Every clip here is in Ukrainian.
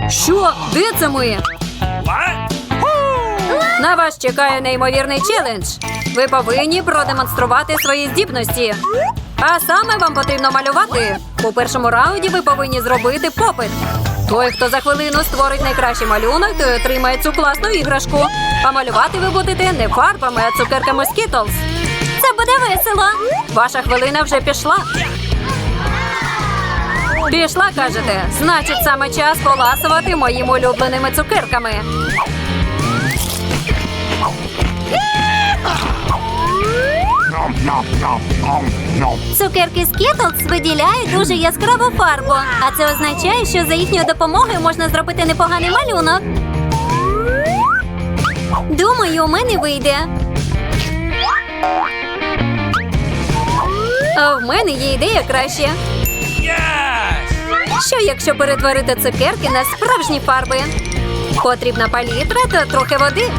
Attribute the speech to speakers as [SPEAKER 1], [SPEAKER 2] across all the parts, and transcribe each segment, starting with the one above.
[SPEAKER 1] Що? Де це ми? На вас чекає неймовірний челендж. Ви повинні продемонструвати свої здібності. А саме вам потрібно малювати. У першому раунді ви повинні зробити попит. Той, хто за хвилину створить найкращий малюнок, той отримає цю класну іграшку. А малювати ви будете не фарбами, а цукерками Skittles. Це буде весело. Ваша хвилина вже пішла. Пішла, кажете? Значить, саме час поласувати моїми улюбленими цукерками. Цукерки Skittles виділяють дуже яскраву фарбу. А це означає, що за їхньою допомогою можна зробити непоганий малюнок. Думаю, у мене вийде. А в мене є ідея краще. Що, якщо перетворити цукерки на справжні фарби? Потрібна палітра та трохи води.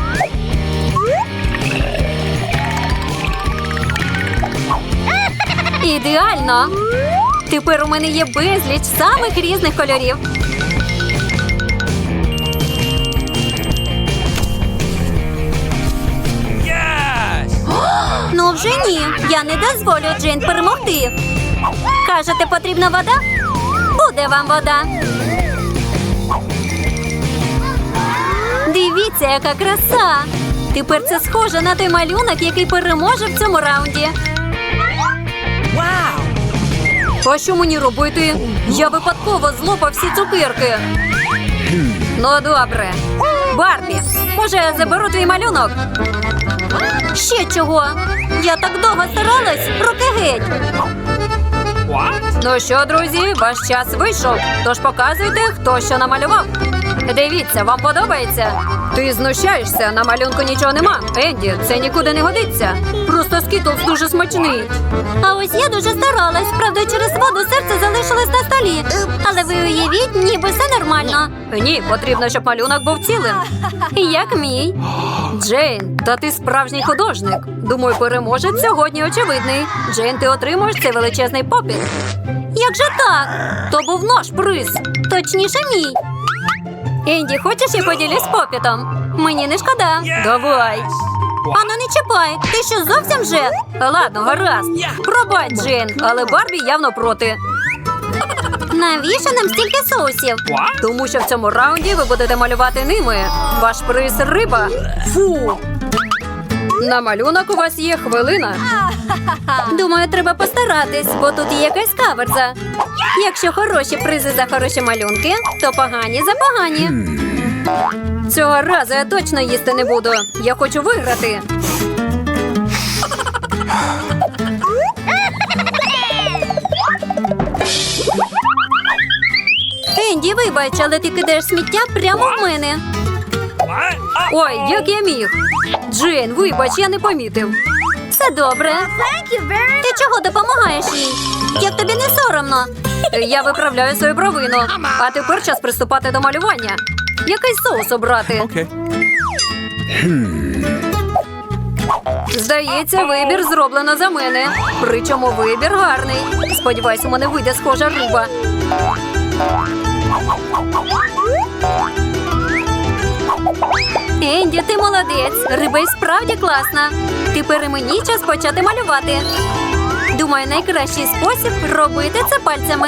[SPEAKER 1] Ідеально! Тепер у мене є безліч самих різних кольорів. Ну вже ні. Я не дозволю Джейн перемогти. Кажете, потрібна вода? Буде вам вода. Дивіться, яка краса! Тепер це схоже на той малюнок, який переможе в цьому раунді. А що мені робити? Я випадково злопав всі цукерки. Ну, добре. Барбі, може, я заберу твій малюнок? Ще чого? Я так довго старалась, руки геть. Ну що, друзі, ваш час вийшов. Тож показуйте, хто що намалював. Дивіться, вам подобається? Ти знущаєшся, на малюнку нічого нема. Енді, це нікуди не годиться. Просто Skittles дуже смачний. А ось я дуже старалась. Правда, через воду серце залишилось на столі. Але ви уявіть, ніби все нормально. Ні, потрібно, щоб малюнок був цілим. Як мій. Джейн, та ти справжній художник. Думаю, переможець сьогодні очевидний. Джейн, ти отримуєш цей величезний попіт. Як же так? То був наш приз. Точніше, мій. Енді, хочеш, я поділюсь попітом? Мені не шкода. Давай. Ану, не чіпай. Ти що, зовсім вже? Ладно, гаразд. Пробач, Джейн, але Барбі явно проти. Навіщо нам стільки соусів? Тому що в цьому раунді ви будете малювати ними. Ваш приз – риба. Фу. На малюнок у вас є хвилина. Думаю, треба постаратись, бо тут є якась каверза. Якщо хороші призи за хороші малюнки, то погані за погані. Цього разу я точно їсти не буду. Я хочу виграти. Енді, вибач, але ти кидаєш сміття прямо в мене. Ой, як я міг. Джейн, вибач, я не помітив. Все добре. Ти чого допомагаєш їй? Як тобі не соромно? Я виправляю свою провину. А тепер час приступати до малювання. Який соус обрати? Здається, вибір зроблено за мене. Причому вибір гарний. Сподіваюсь, у мене вийде схожа риба. Енді, ти молодець. Риба й справді класна. Тепер і мені час почати малювати. Думаю, найкращий спосіб робити це пальцями.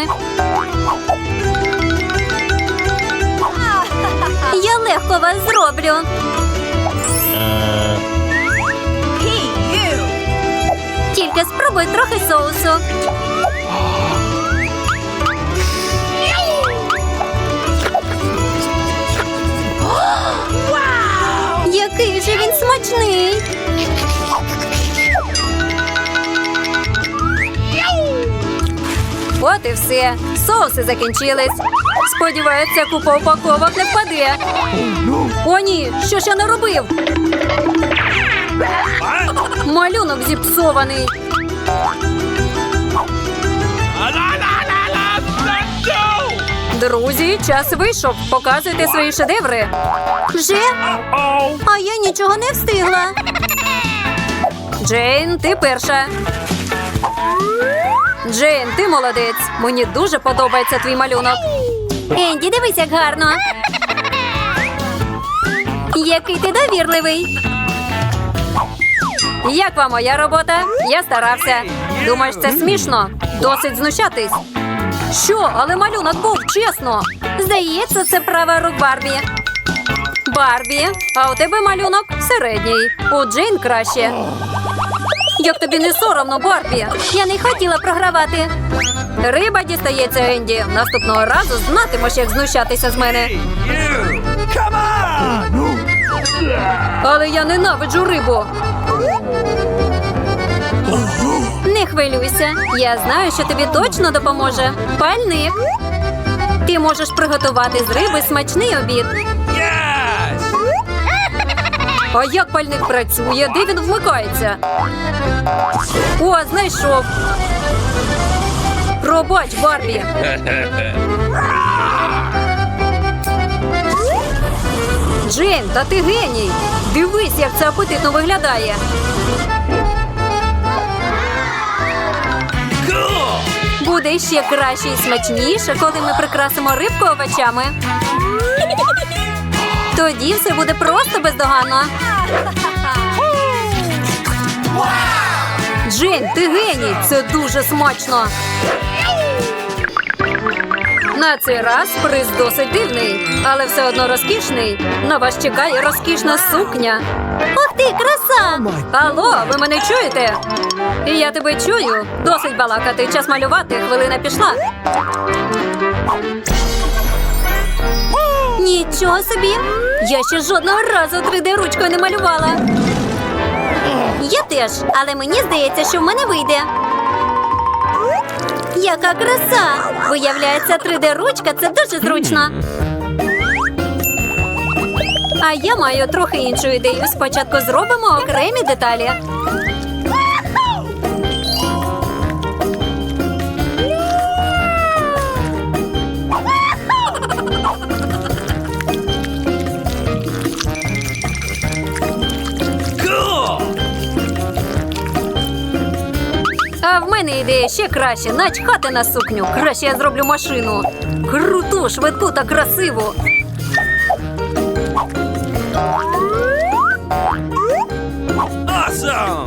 [SPEAKER 1] Я легко вас зроблю. Тільки спробуй трохи соусу. Який же він смачний! От і все. Соуси закінчились. Сподіваюся, купа упаковок не впаде. О, ні! Що ж я наробив? Малюнок зіпсований. Друзі, час вийшов. Показуйте свої шедеври. Вже? А я нічого не встигла. Джейн, ти перша. Джейн, ти молодець. Мені дуже подобається твій малюнок. Енді, дивись, як гарно. Який ти довірливий. Як вам моя робота? Я старався. Думаєш, це смішно? Досить знущатись. Що? Але малюнок був, чесно. Здається, це права рук Барбі. Барбі, а у тебе малюнок середній. У Джейн краще. Як тобі не соромно, Барбі? Я не хотіла програвати. Риба дістається, Енді. Наступного разу знатимеш, як знущатися з мене. Але я ненавиджу рибу. Не хвилюйся. Я знаю, що тобі точно допоможе. Пальник. Ти можеш приготувати з риби смачний обід. А як пальник працює? Де він вмикається? О, знайшов. Пробач, Барбі. Джейн, та ти геній. Дивись, як це апетитно виглядає. Буде ще краще і смачніше, коли ми прикрасимо рибку овочами. Тоді все буде просто бездоганно. Джейн, ти геній! Це дуже смачно! На цей раз приз досить дивний, але все одно розкішний. На вас чекає розкішна сукня. Ох ти, краса! Алло, ви мене чуєте? Я тебе чую. Досить балакати, час малювати, хвилина пішла. Нічого собі! Я ще жодного разу 3D-ручкою не малювала. Я теж, але мені здається, що в мене вийде. Яка краса! Виявляється, 3D-ручка – це дуже зручно. А я маю трохи іншу ідею. Спочатку зробимо окремі деталі. А в мене ідея ще краще. Начхати на сукню. Краще я зроблю машину. Круту, швидку та красиву.
[SPEAKER 2] Awesome!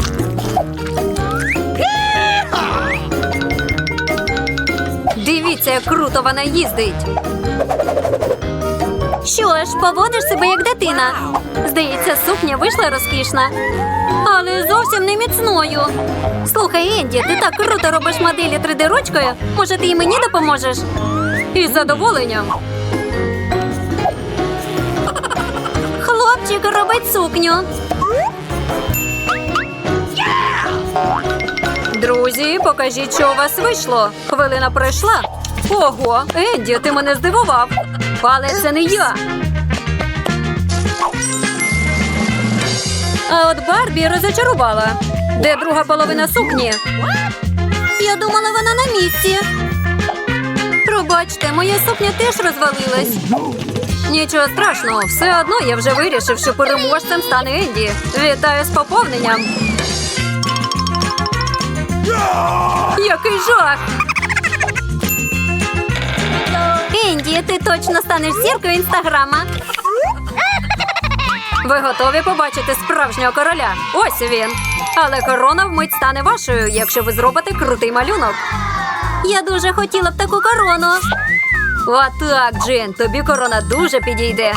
[SPEAKER 1] Дивіться, як круто вона їздить. Що ж, поводиш себе як дитина. Здається, сукня вийшла розкішна. Але зовсім не міцною. Слухай, Енді, ти так круто робиш моделі 3D-ручкою. Може, ти і мені допоможеш? Із задоволенням. Хлопчик робить сукню. Друзі, покажіть, що у вас вийшло. Хвилина пройшла. Ого, Енді, ти мене здивував. Але це не я. А от Барбі розочарувала. Де друга половина сукні? Я думала, вона на місці. Пробачте, моя сукня теж розвалилась. Нічого страшного, все одно я вже вирішив, що переможцем стане Енді. Вітаю з поповненням. Який жах! Енді, ти точно станеш зіркою інстаграма. Ви готові побачити справжнього короля? Ось він. Але корона вмить стане вашою, якщо ви зробите крутий малюнок. Я дуже хотіла б таку корону. Отак, Джин, тобі корона дуже підійде.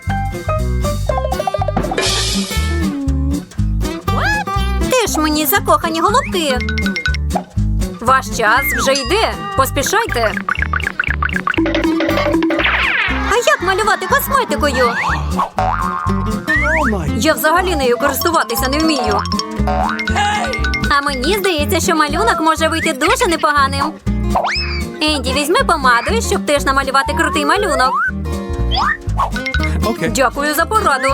[SPEAKER 1] Ти ж мені закохані голубки. Ваш час вже йде. Поспішайте. А як малювати косметикою? Я взагалі нею користуватися не вмію. А мені здається, що малюнок може вийти дуже непоганим. Енді, візьми помаду, щоб теж намалювати крутий малюнок.
[SPEAKER 2] Okay.
[SPEAKER 1] Дякую за пораду.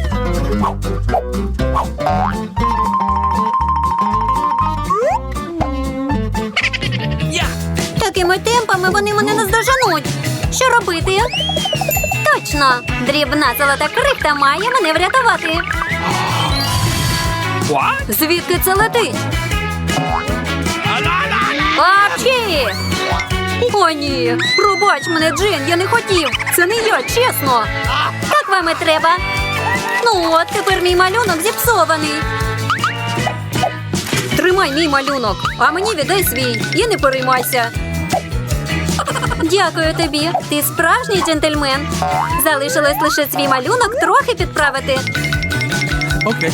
[SPEAKER 1] Такими темпами вони мене наздоженуть. Що робити? Точно! Дрібна золота крихта має мене врятувати.
[SPEAKER 2] What?
[SPEAKER 1] Звідки це летить? Апчі! О, ні. Пробач мене, Джейн, я не хотів. Це не я, чесно. Так вам і треба. Ну от, тепер мій малюнок зіпсований. Тримай мій малюнок, а мені віддай свій і не переймайся. Дякую тобі. Ти справжній джентльмен. Залишилось лише свій малюнок трохи підправити.
[SPEAKER 2] Окей.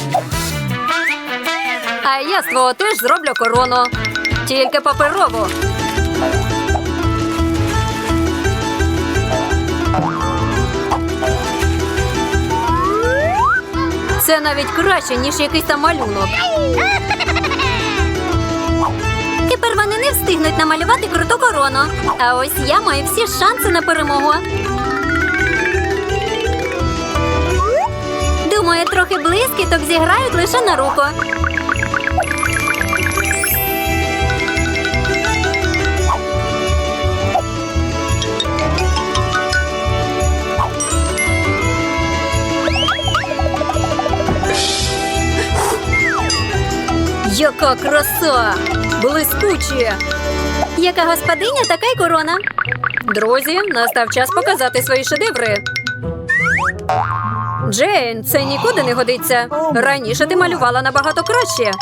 [SPEAKER 1] А я з твого теж зроблю корону. Тільки паперову. Це навіть краще, ніж якийсь там малюнок. Тепер вони не встигнуть намалювати круту корону. А ось я маю всі шанси на перемогу. Думаю, трохи блискіток зіграють лише на руку. Яка краса! Блискуче! Яка господиня, така й корона. Друзі, настав час показати свої шедеври. Джейн, це нікуди не годиться. Раніше ти малювала набагато краще.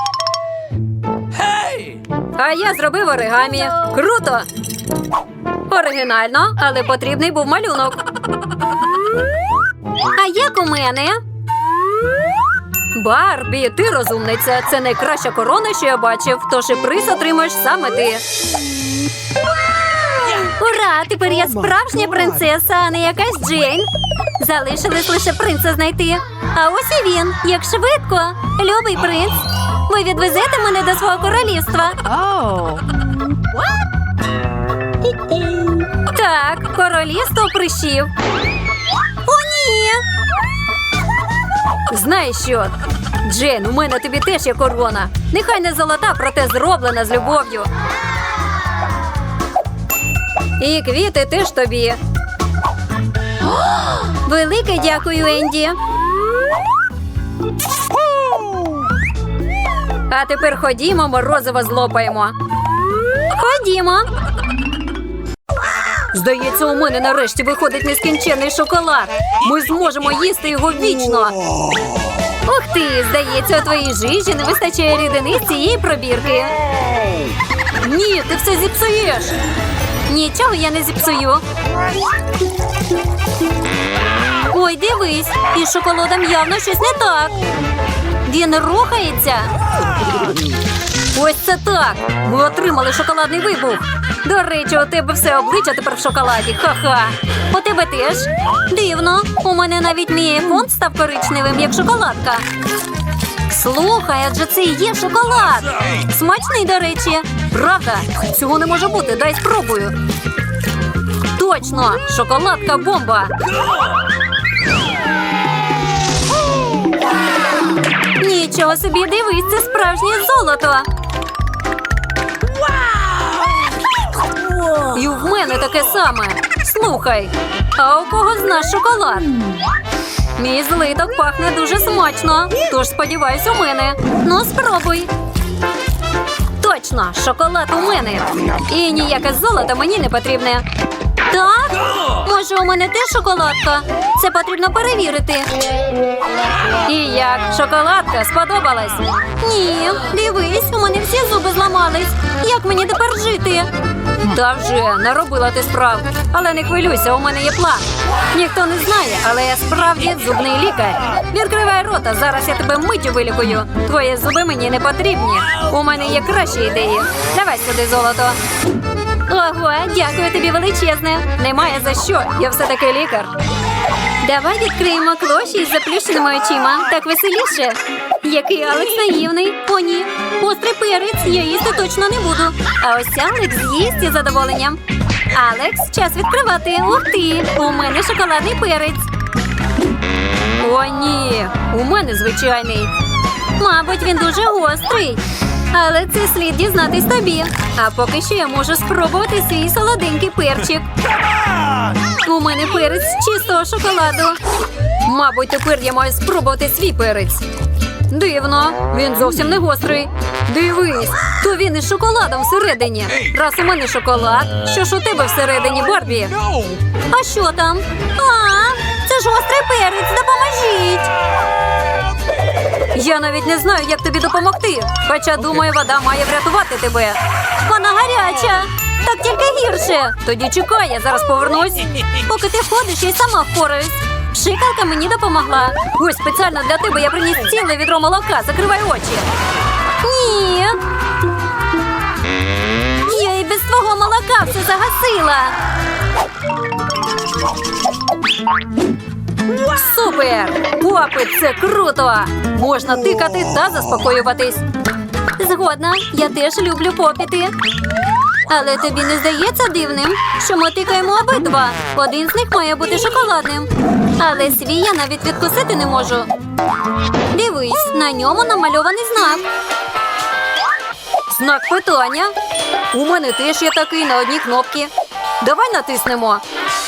[SPEAKER 1] А я зробив оригамі. Круто! Оригінально, але потрібний був малюнок. А як у мене? Барбі, ти розумниця. Це найкраща корона, що я бачив. Тож і приз отримаєш саме ти. Ура! Тепер я справжня принцеса, а не якась Джейн. Залишилось лише принца знайти. А ось і він. Як швидко. Любий принц. Ви відвезете мене до свого королівства. Так, королівство прищів. О, ні! Знаєш що? Джейн, у мене тобі теж є корона. Нехай не золота, проте зроблена з любов'ю. І квіти теж тобі. Велике дякую, Енді. А тепер ходімо, морозиво злопаємо. Ходімо. Здається, у мене нарешті виходить нескінченний шоколад. Ми зможемо їсти його вічно. Ух ти, здається, у твоїй жижі не вистачає рідини з цієї пробірки. Ні, ти все зіпсуєш. Нічого я не зіпсую. Ой, дивись, із шоколадом явно щось не так. Він рухається. Ось це так. Ми отримали шоколадний вибух. До речі, у тебе все обличчя тепер в шоколаді. Ха-ха. У тебе теж? Дивно. У мене навіть мій айфон став коричневим, як шоколадка. Слухай, адже це і є шоколад. Смачний, до речі. Правда? Цього не може бути. Дай спробую. Точно. Шоколадка-бомба. Нічого собі, дивись, це справжнє золото. І в мене таке саме. Слухай, а у кого з нас шоколад? Мій злиток пахне дуже смачно, тож сподіваюсь у мене. Ну, спробуй. Точно, шоколад у мене. І ніяке золото мені не потрібне. Так? Може, у мене теж шоколадка? Це потрібно перевірити. І як? Шоколадка сподобалась? Ні, дивись, у мене всі зуби зламались. Як мені тепер жити? Та вже, наробила ти справ. Але не хвилюйся, у мене є план. Ніхто не знає, але я справді зубний лікар. Відкривай рота, зараз я тебе миттю вилікую. Твої зуби мені не потрібні. У мене є кращі ідеї. Давай сюди золото. Ого, дякую тобі величезне. Немає за що, я все-таки лікар. Давай відкриємо клоші із заплющеними очима. Так веселіше. Який Алекс наївний. О, ні. Острий перець, я їсти точно не буду. А ось Алекс з'їсть із задоволенням. Алекс, час відкривати. Ух ти, у мене шоколадний перець. О, ні, у мене звичайний. Мабуть, він дуже гострий. Але це слід дізнатись тобі. А поки що я можу спробувати свій солоденький перчик. У мене перець з чистого шоколаду. Мабуть, тепер я маю спробувати свій перець. Дивно, він зовсім не гострий. Дивись, то він із шоколадом всередині. Раз у мене шоколад, що ж у тебе всередині, Барбі?
[SPEAKER 2] No!
[SPEAKER 1] А що там? Це ж гострий перець, допоможіть! Я навіть не знаю, як тобі допомогти. Хоча, думаю, вода має врятувати тебе. Вона гаряча. Так тільки гірше. Тоді чекай, я зараз повернусь. Поки ти ходиш, я й сама впораюсь. Пшикалка мені допомогла. Ось спеціально для тебе я приніс ціле відро молока. Закривай очі. Ні. Я і без твого молока все загасила. Супер! Попит, це круто! Можна тикати та заспокоюватись. Згодна, я теж люблю попіти. Але тобі не здається дивним, що ми тикаємо обидва. Один з них має бути шоколадним. Але свій я навіть відкусити не можу. Дивись, на ньому намальований знак. Знак питання. У мене теж є такий на одній кнопці. Давай натиснемо.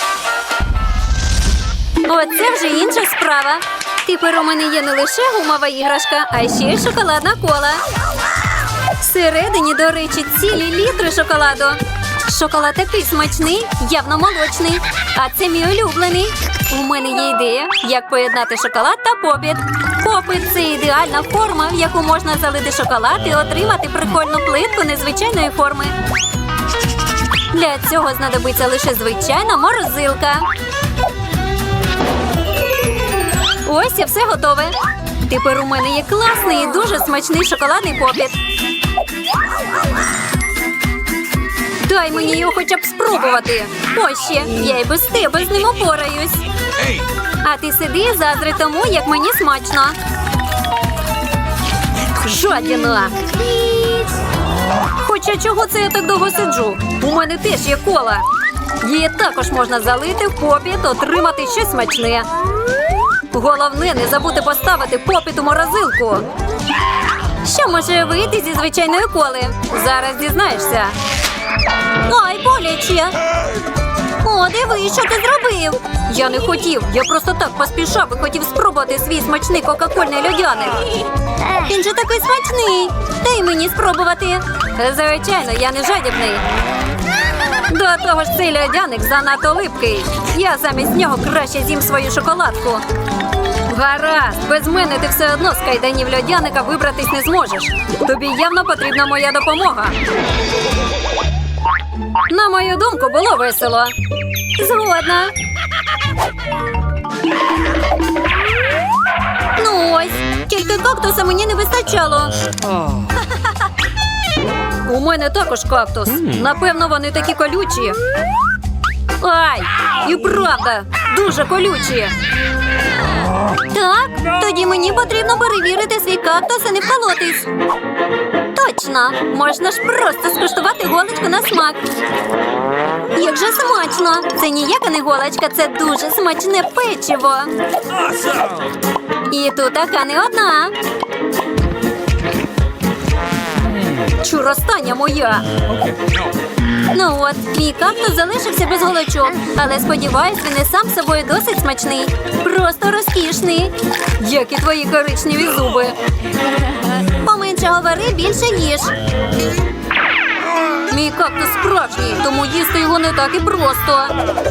[SPEAKER 1] Оце вже інша справа. Тепер у мене є не лише гумова іграшка, а ще й шоколадна кола. Всередині, до речі, цілі літри шоколаду. Шоколад такий смачний, явно молочний. А це мій улюблений. У мене є ідея, як поєднати шоколад та попіт. Попіт – це ідеальна форма, в яку можна залити шоколад і отримати прикольну плитку незвичайної форми. Для цього знадобиться лише звичайна морозилка. Ось і все готове. Тепер у мене є класний і дуже смачний шоколадний попіт. Дай мені його хоча б спробувати. Ось ще, я й без тебе з ним опораюсь.
[SPEAKER 2] Hey!
[SPEAKER 1] А ти сиди і заздрі тому, як мені смачно. Жадіна. Хоча чого це я так довго сиджу? У мене теж є кола. Її також можна залити в попіт, отримати щось смачне. Головне, не забути поставити попіт у морозилку. Що може вийти зі звичайної коли? Зараз дізнаєшся. Ай, боляче. О, диви, що ти зробив? Я не хотів, я просто так поспішав і хотів спробувати свій смачний кока-кольний льодяник. Він же такий смачний. Дай мені спробувати. Звичайно, я не жадібний. До того ж, цей льодяник занадто липкий. Я замість нього краще з'їм свою шоколадку. Гаразд, без мене ти все одно з кайданів льодяника вибратись не зможеш. Тобі явно потрібна моя допомога. На мою думку, було весело. Згодна. Ну ось, тільки кактуса мені не вистачало. У мене також кактус. Напевно, вони такі колючі. Ай, і правда, дуже колючі. Так, тоді мені потрібно перевірити свій кактус і не вколотись. Точно, можна ж просто скуштувати голочку на смак. Як же смачно! Це ніяка не голочка, це дуже смачне печиво. І тут така не одна. Чур, остання моя.
[SPEAKER 2] Okay. No.
[SPEAKER 1] Ну от, мій кактус залишився без голочок, але сподіваюсь, він і сам собою досить смачний. Просто розкішний. Як і твої коричневі зуби. Поменше говори, більше їж. Мій кактус справжній, тому їсти його не так і просто.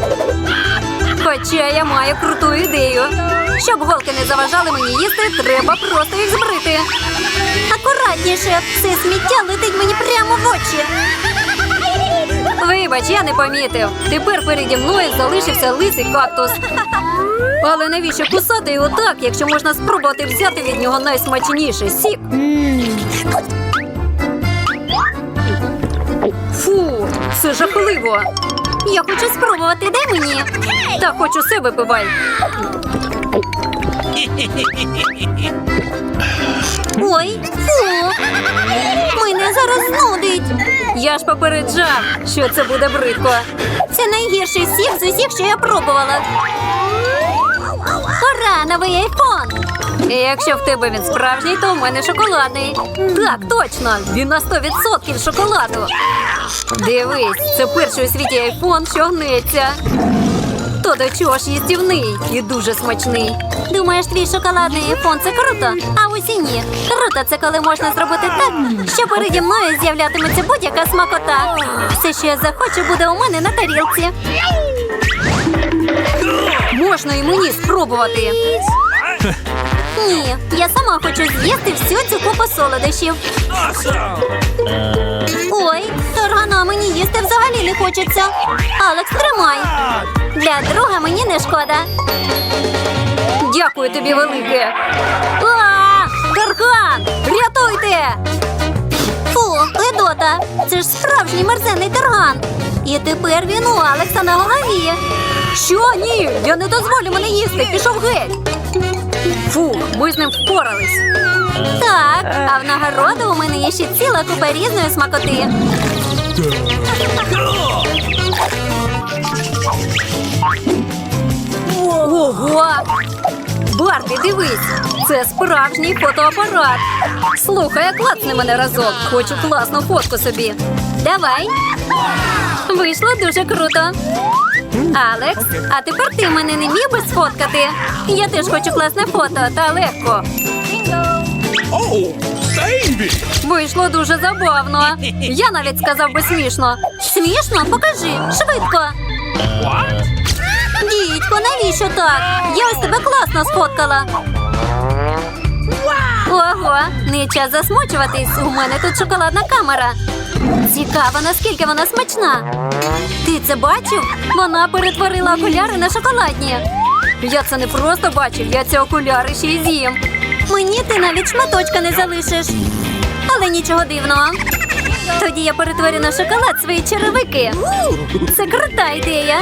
[SPEAKER 1] Хоча я маю круту ідею. Щоб голки не заважали мені їсти, треба просто їх збрити. Акуратніше, все сміття летить мені прямо в очі. Вибач, я не помітив. Тепер переді мною залишився лисий кактус. Але навіщо кусати його так, якщо можна спробувати взяти від нього найсмачніший сік? Фу, це жахливо. Я хочу спробувати, дай мені. Та хоч усе випивай. Ой, фу. Мене зараз знудить. Я ж попереджав, що це буде бридко. Це найгірший сік з усіх, що я пробувала. Ура, новий айфон! І якщо в тебе він справжній, то в мене шоколадний. Так, точно, він на 100% шоколаду. Дивись, це перший у світі айфон, що гнеться. То до чого ж їстівний і дуже смачний. Думаєш, твій шоколадний айфон – це круто? А ось і ні. Круто – це коли можна зробити так, що переді мною з'являтиметься будь-яка смакота. Все, що я захочу, буде у мене на тарілці. Можна і мені спробувати. Ні, я сама хочу з'їсти всю цю купу солодощів. Ой, торгана мені їсти взагалі не хочеться. Алекс, тримай. Для друга мені не шкода. Дякую тобі велике. Тарган! Рятуйте! Фу, Гедота, це ж справжній мерзенний тарган. І тепер він у Алекса на голові. Що? Ні, я не дозволю мене їсти, пішов геть. Фу, ми з ним впорались. Так, а в нагороду у мене є ще ціла купа різної смакоти. Ого! Барбі, дивись, це справжній фотоапарат. Слухай, клацни мене разок, хочу класну фотку собі. Давай. Вийшло дуже круто. Алекс, а тепер ти мене не міг би сфоткати? Я теж хочу класне фото, та легко.
[SPEAKER 2] Oh, baby!
[SPEAKER 1] Вийшло дуже забавно. Я навіть сказав би смішно. Смішно? Покажи, швидко.
[SPEAKER 2] What?
[SPEAKER 1] Дідько, навіщо так? Я ось тебе класно сфоткала. Ого, не час засмучуватись. У мене тут шоколадна камера. Цікаво, наскільки вона смачна. Ти це бачив? Вона перетворила окуляри на шоколадні. Я це не просто бачив, я ці окуляри ще й з'їм. Мені ти навіть шматочка не залишиш. Але нічого дивного. Тоді я перетворю на шоколад свої черевики. Це крута ідея.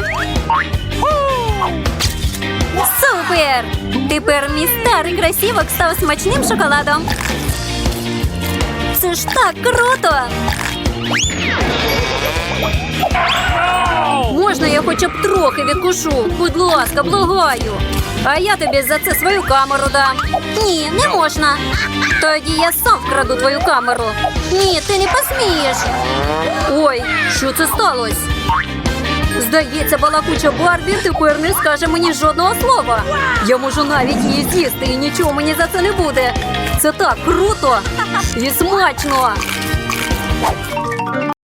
[SPEAKER 1] Супер! Тепер мій старий красівок став смачним шоколадом. Це ж так круто! Можна я хоча б трохи відкушу? Будь ласка, благаю. А я тобі за це свою камеру дам. Ні, не можна. Тоді я сам вкраду твою камеру. Ні, ти не посмієш. Ой, що це сталося? Здається, балакуча Барбі тепер не скаже мені жодного слова. Я можу навіть її з'їсти і нічого мені за це не буде. Це так круто і смачно.